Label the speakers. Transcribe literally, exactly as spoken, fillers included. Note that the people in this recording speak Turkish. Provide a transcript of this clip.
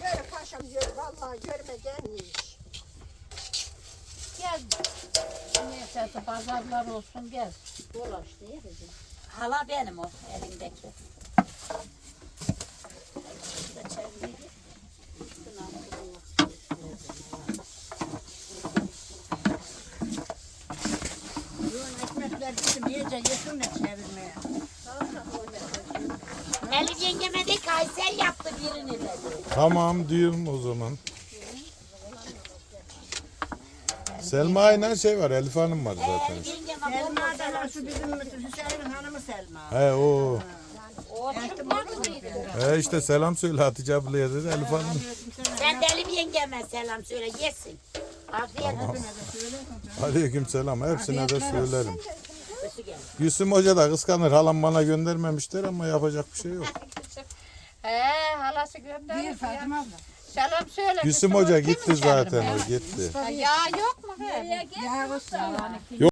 Speaker 1: böyle paşam diyor. Vallahi görmeden iş.
Speaker 2: Gel. Neyse pazarlar olsun gel. Dolaş değil mi?
Speaker 3: Hala benim o elindeki.
Speaker 4: Ekmekler bizim iyice yesin de çevirmeye.
Speaker 3: Elif yengeme de Kayseri yaptı birini dedi.
Speaker 5: Tamam diyorum o zaman. Selma ile şey var, Elif Hanım var zaten.
Speaker 3: Elif yengeme
Speaker 4: Selma
Speaker 3: bomba
Speaker 4: da var, şu bizim Hüseyin'in hanımı Selma.
Speaker 5: He o.
Speaker 2: O çıkmaz mıydı?
Speaker 5: He işte selam söyle Hatice ablaya dedi Elif Hanım.
Speaker 3: Sen de Elif yengeme selam söyle yesin. Afiyet olsun.
Speaker 5: Aleyküm selam. Hepsine de söylerim.
Speaker 3: Kötü gel.
Speaker 5: Gülsüm Hoca da kıskanır. Halam bana göndermemişler ama yapacak bir şey yok.
Speaker 2: He halası gönderdi.
Speaker 4: Bir Fatıma abla.
Speaker 2: Selam söyle.
Speaker 5: Gülsüm Hoca gitti zaten o gitti.
Speaker 2: Ya yok mu? He?
Speaker 4: Ya olsun.